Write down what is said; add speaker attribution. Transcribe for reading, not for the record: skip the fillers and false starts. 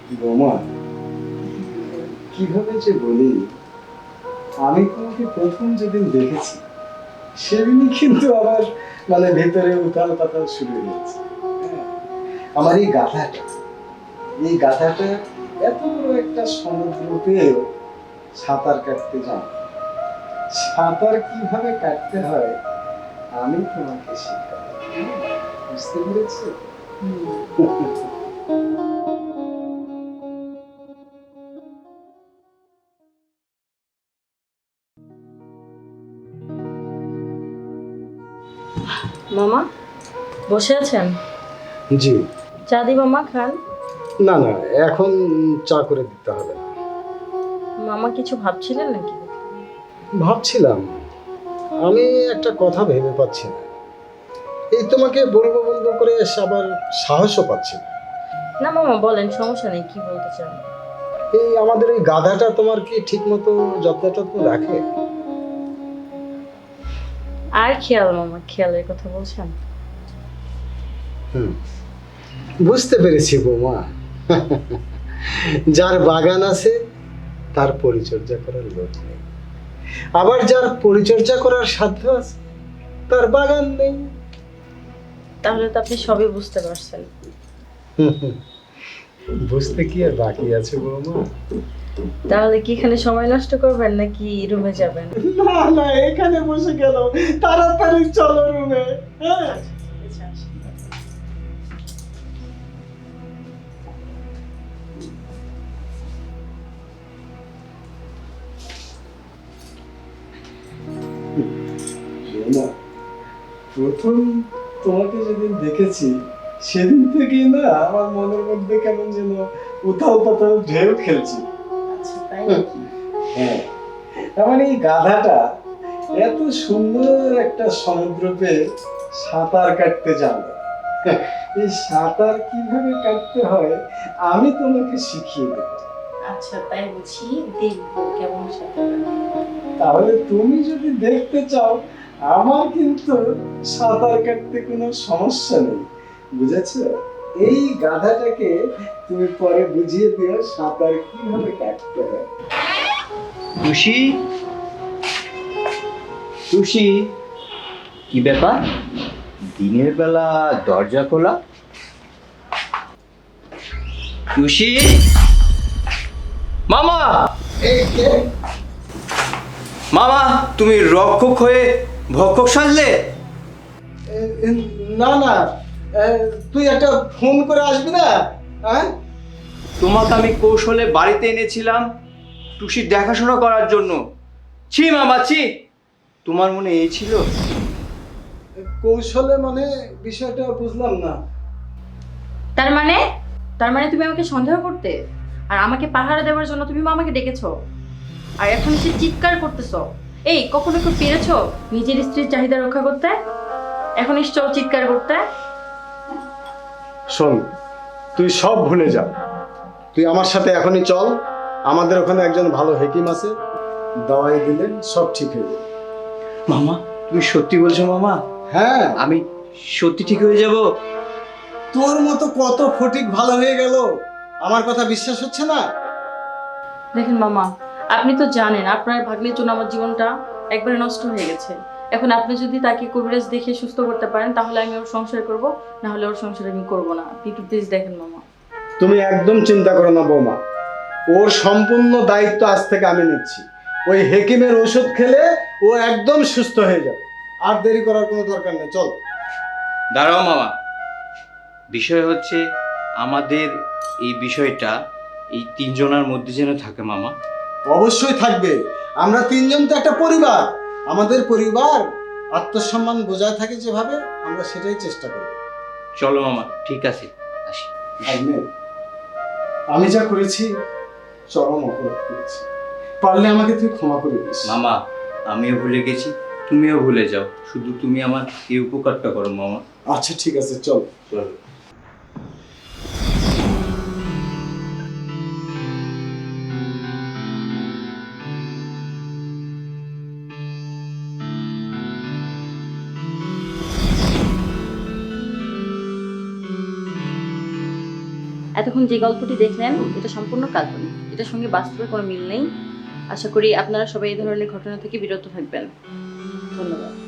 Speaker 1: বোমা, কিভাবে যে বলি, আমি তোমাকে প্রথম যেদিন দেখেছি সেদিনই কিন্তু আমার ভেতরে উথাল পাতাল শুরু হয়েছে। হ্যাঁ, আমার এই গাথাটা এত বড় একটা সমুদ্রতেও সাঁতার কাটতে জানো। সাঁতার কিভাবে কাটতে হয় আমি তোমাকে শেখাবো। বুঝতে পেরেছো?
Speaker 2: মামা বসে আছেন?
Speaker 1: জি।
Speaker 2: চা দি মামা, খান।
Speaker 1: না না, এখন চা করে দিতে হবে না।
Speaker 2: মামা কিছু ভাবছিলেন নাকি?
Speaker 1: ভাবছিলাম, আমি একটা কথা ভেবে পাচ্ছি না। এই তোমাকে বলবো বলবো করে আবার সাহসও পাচ্ছি না।
Speaker 2: না মামা বলেন, সমস্যা নেই, কি বলতে চান?
Speaker 1: এই আমাদের এই গাধাটা তোমার কি ঠিক মতো যত্ন টত্ন রাখে?
Speaker 2: আর খেয়াল মামা, খেয়ালের কথা বলছেন?
Speaker 1: বুঝতে পেরেছি বৌমা। যার বাগান আছে তার পরিচর্যা করার লোক নেই, আবার যার পরিচর্যা করার সাধ্য আছে তার বাগান নেই।
Speaker 2: তাহলে তো আপনি সবই বুঝতে পারছেন।
Speaker 1: বুঝতে কি আর বাকি আছে বৌমা?
Speaker 2: তাহলে কি এখানে সময় নষ্ট করবেন নাকি রুমে যাবেন?
Speaker 1: না না, এখানে বসে গেল, তাড়াতাড়ি চলো রুমে। হ্যাঁ, প্রথম তোমাকে যেদিন দেখেছি সেদিন থেকেই না আমার মনের মধ্যে কেমন যেন উথাল পাতাল ঢেউ খেলছে।
Speaker 2: আচ্ছা তাই নাকি?
Speaker 1: হ্যাঁ, তার মানে এই গাধাটা এত সুন্দর একটা সমুদ্র পেয়ে সাঁতার কাটতে জানলো। এই সাঁতার কিভাবে কাটতে হয় আমি তোমাকে শিখিয়ে দেব।
Speaker 2: আচ্ছা তাই বুঝি, দেখবো কেমন সাঁতার কাটেন।
Speaker 1: তাহলে তুমি যদি দেখতে চাও, আমার কিন্তু সাঁতার কাটতে কোনো সমস্যা নেই, বুঝেছো? এই গাধাটাকে তুমি পরে বুঝিয়ে দিও সাঁতার কিভাবে কাটতে হয়।
Speaker 3: টুসি, টুসি, কি ব্যাপার? দিনের বেলা দরজা খোলা? টুসি, মামা!
Speaker 1: এই কে?
Speaker 3: মামা, তুমি রক্ষক হয়ে ভক্ষক সাজলে?
Speaker 1: না না, তুই একটা ফোন করে আসবি না? হ্যাঁ,
Speaker 3: তোমাকে আমি কৌশলে বাড়িতে এনেছিলাম টুসির দেখাশোনা করার জন্য। ছি মামা, ছি! তোমার মনে এই ছিল?
Speaker 1: কৌশলে মানে বিষয়টা বুঝলাম না।
Speaker 2: তার মানে? তার মানে তুমি আমাকে সন্দেহ করতে আর আমাকে পাহারা দেওয়ার জন্য তুমি মামাকে ডেকেছো, আর এখন সে চিৎকার করতেছো। এই কখনো কেউ পেরেছো নিজের স্ত্রীর চাহিদা রক্ষা করতে? এখন এসছো চিৎকার করতে?
Speaker 1: শোন, তুই সব ভুলে যা, তুই আমার সাথে এখনই চল। আমাদের ওখানে একজন ভালো হেকিম আছে, দাওয়াই দিলে সব ঠিক হয়ে যাবে।
Speaker 3: মামা, তুমি সত্যি বলছো মামা?
Speaker 1: হ্যাঁ,
Speaker 3: আমি সত্যি ঠিক হয়ে যাব?
Speaker 1: তোর মতো কত ফটিক ভালো হয়ে গেল, আমার কথা বিশ্বাস হচ্ছে না?
Speaker 2: দেখেন মামা, আপনি তো জানেন আপনার ভাগ্নের জন্য আমার জীবনটা একবারে নষ্ট হয়ে গেছে। এখন আপনি যদি তাকে কবিরাজ দেখে সুস্থ করতে পারেন তাহলে আমি ওর সংসার করব, না হলে ওর সংসার আমি করব না। আপনি একটু প্লিজ দেখেন মামা।
Speaker 1: তুমি একদম চিন্তা করো না বৌমা, ওর সম্পূর্ণ দায়িত্ব আজ থেকে আমি নিচ্ছি। ওই হেকিমের ওষুধ খেলে ও একদম সুস্থ হয়ে যাবে, আর দেরি করার কোনো দরকার নেই, চল।
Speaker 3: দাঁড়াও মামা, বিষয় হচ্ছে আমাদের এই বিষয়টা এই তিনজনের মধ্যে যেন থাকে মামা।
Speaker 1: অবশ্যই থাকবে, আমরা তিনজন তো একটা পরিবার, আমাদের পরিবার আত্মসম্মান বজায় থাকে যেভাবে, আমরা সেটাই চেষ্টা করব।
Speaker 3: চলো মামা, ঠিক আছে, আসি।
Speaker 1: ভাগ্নে, আমি যা করেছি চরম অপরাধ করেছি, পারলে আমাকে তুই ক্ষমা করে দিস।
Speaker 3: মামা, আমিও ভুলে গেছি, তুমিও ভুলে যাও, শুধু তুমি আমার এই উপকারটা করো মামা।
Speaker 1: আচ্ছা ঠিক আছে, চল।
Speaker 3: চলো।
Speaker 2: এতক্ষণ যে গল্পটি দেখলেন এটা সম্পূর্ণ কাল্পনিক, এটার সঙ্গে বাস্তবের কোনো মিল নেই। আশা করি আপনারা সবাই এই ধরনের ঘটনা থেকে বিরত থাকবেন। ধন্যবাদ।